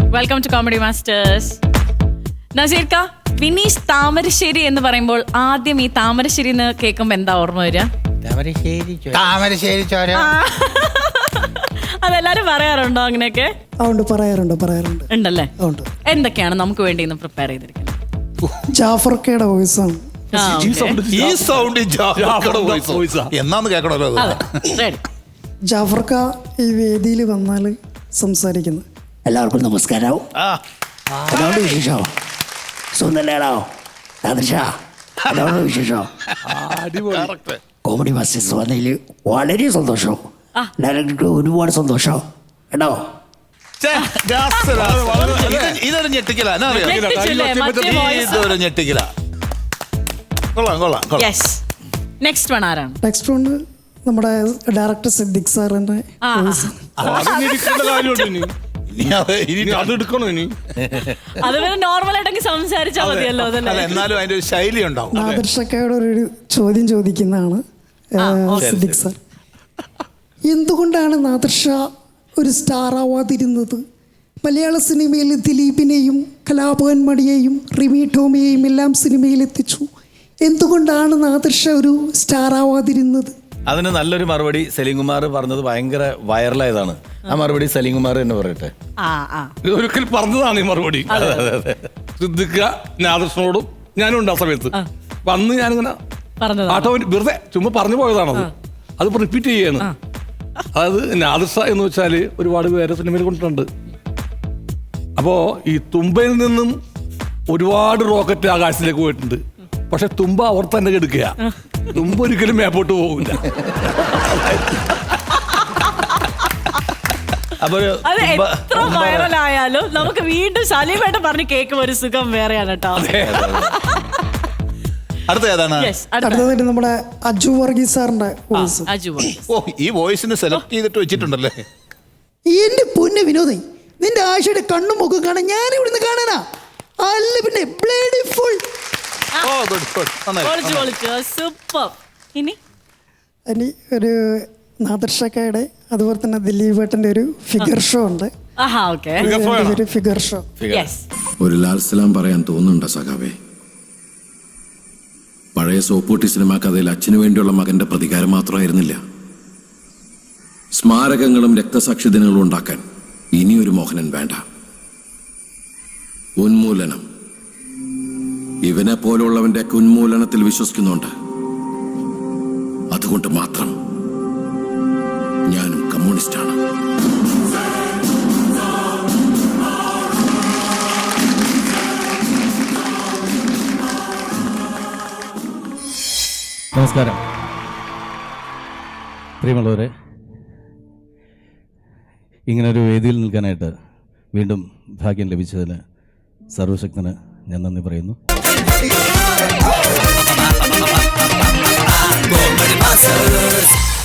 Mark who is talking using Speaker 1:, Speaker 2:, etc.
Speaker 1: Welcome to comedy masters. നസീർക്ക, വിനീഷ് താമരശ്ശേരി എന്ന് പറയുമ്പോൾ ആദ്യം ഈ താമരശ്ശേരി എന്ന് കേൾക്കുമ്പോ എന്താ ഓർമ്മ വരിക?
Speaker 2: താമരശ്ശേരി ചോര.
Speaker 1: അതെല്ലാരും പറയാറുണ്ടോ അങ്ങനെയൊക്കെ?
Speaker 3: പറയാറുണ്ട്
Speaker 1: ഉണ്ടല്ലേ? എന്തൊക്കെയാണ് നമുക്ക് വേണ്ടി ഇന്ന് പ്രിപ്പയർ ചെയ്തിരിക്കുന്നത്?
Speaker 3: ജാഫർക്കയുടെ വോയിസാണ്.
Speaker 2: എന്നാന്ന് കേൾക്കണല്ലോ.
Speaker 3: ജാഫർക്ക ഈ വേദിയിൽ വന്നാൽ സംസാരിക്കുന്നത്.
Speaker 4: എല്ലാവർക്കും നമസ്കാരം. വിശേഷോ സുന്ദരോ വിശേഷോ? കോമഡി മാസ്റ്റേഴ്സ് വന്നതിൽ വളരെ സന്തോഷം. ഡയറക്ടർക്ക് ഒരുപാട് സന്തോഷം കേട്ടോ.
Speaker 2: ഇതൊരു ഞെട്ടിക്കല.
Speaker 1: നെക്സ്റ്റ് വൺ ആരാണ്?
Speaker 3: നെക്സ്റ്റ് വൺ നമ്മുടെ ഡയറക്ടർ സിദ്ദിഖ് സാറിന്റെ
Speaker 1: നോർമൽ ആയിട്ടൊക്കെ സംസാരിച്ചാൽ മതിയല്ലോ.
Speaker 2: എന്നാലും അതിന്റെ ഒരു ശൈലി ഉണ്ടാവും.
Speaker 3: നാദിർഷക്കയോട് ഒരു ചോദ്യം ചോദിക്കുന്നതാണ് സിദ്ദിഖ് സാർ. എന്തുകൊണ്ടാണ് നാദിർഷ ഒരു സ്റ്റാർ ആവാതിരുന്നത്? മലയാള സിനിമയിൽ ദിലീപിനെയും കലാഭവൻ മണിയെയും റിമി ടോമിയെയും എല്ലാം സിനിമയിൽ എത്തിച്ചു. എന്തുകൊണ്ടാണ് നാദിർഷ ഒരു സ്റ്റാർ ആവാതിരുന്നത്?
Speaker 5: അതിന് നല്ലൊരു മറുപടി സലീം കുമാർ പറഞ്ഞത് ഭയങ്കര വൈറലായതാണ്. ആ മറുപടി സലീം കുമാർ തന്നെ പറയട്ടെ.
Speaker 6: ഒരിക്കൽ പറഞ്ഞതാണ് ഈ മറുപടി. സിദ്ദിഖ് നാദിർഷനോടും ഞാനും ഉണ്ട് ആ സമയത്ത്. അപ്പൊ അന്ന് ഞാനിങ്ങനെ ആട്ടോ വെറുതെ ചുമ്മാ പറഞ്ഞു പോയതാണത്. അതിപ്പോ റിപ്പീറ്റ് ചെയ്യാണ്. അതായത് നാദിർഷ എന്ന് വെച്ചാല് ഒരുപാട് പേരെ സിനിമയിൽ കൊണ്ടിട്ടുണ്ട്. അപ്പോ ഈ തുമ്പയിൽ നിന്നും ഒരുപാട് റോക്കറ്റ് ആകാശത്തിലേക്ക് പോയിട്ടുണ്ട്. പക്ഷെ തുമ്പ അവർ തന്നെ എടുക്കുക. തുമ്പ ഒരിക്കലും മേപ്പോട്ട് പോകില്ല.
Speaker 1: അത് എത്ര വൈറലായാലും നമുക്ക് വീണ്ടും സലീമായിട്ട് പറഞ്ഞ് കേൾക്കുമ്പോൾ ഒരു സുഖം വേറെയാണ് കേട്ടോ.
Speaker 3: അടുത്തതായിട്ട് നമ്മുടെ അജു വർഗീസ് സാറിന്റെ വോയിസ്.
Speaker 2: ഈ വോയിസിന് സെലക്ട് ചെയ്തിട്ട് വെച്ചിട്ടുണ്ടല്ലേ?
Speaker 3: എന്റെ പൊന്ന് വിനോദേ, നിന്റെ ആശയുടെ കണ്ണും മുഖം കാണാൻ ഞാൻ ഇവിടുന്ന് കാണാനാ? അല്ല പിന്നെ ബ്ലേഡി ഫുൾ. ഇനി ഒരു നാദിർഷക്കയുടെ അതുപോലെ തന്നെ ദിലീപേട്ടന്റെ ഒരു ഫിഗർ ഷോ ഉണ്ട്. ഫിഗർ ഷോ
Speaker 7: ഒരു ലാൽ സലാം പറയാൻ തോന്നുന്നുണ്ടോ സഖാവേ? പഴയ സോപ്പൂട്ടി സിനിമാ കഥയിൽ അച്ഛനു വേണ്ടിയുള്ള മകന്റെ പ്രതികാരം മാത്രമായിരുന്നില്ല. സ്മാരകങ്ങളും രക്തസാക്ഷി ദിനങ്ങളും ഉണ്ടാക്കാൻ ഇനിയൊരു മോഹനൻ വേണ്ട. ഉന്മൂലനം. ഇവനെ പോലുള്ളവന്റെ ഉന്മൂലനത്തിൽ വിശ്വസിക്കുന്നുണ്ട്. അതുകൊണ്ട് മാത്രം ഞാനും കമ്മ്യൂണിസ്റ്റാണ്.
Speaker 8: നമസ്കാരം പ്രിയമുള്ളവരെ, ഇങ്ങനൊരു വേദിയിൽ നിൽക്കാനായിട്ട് വീണ്ടും ഭാഗ്യം ലഭിച്ചതിന് സർവശക്തന് ഞാൻ നന്ദി പറയുന്നു.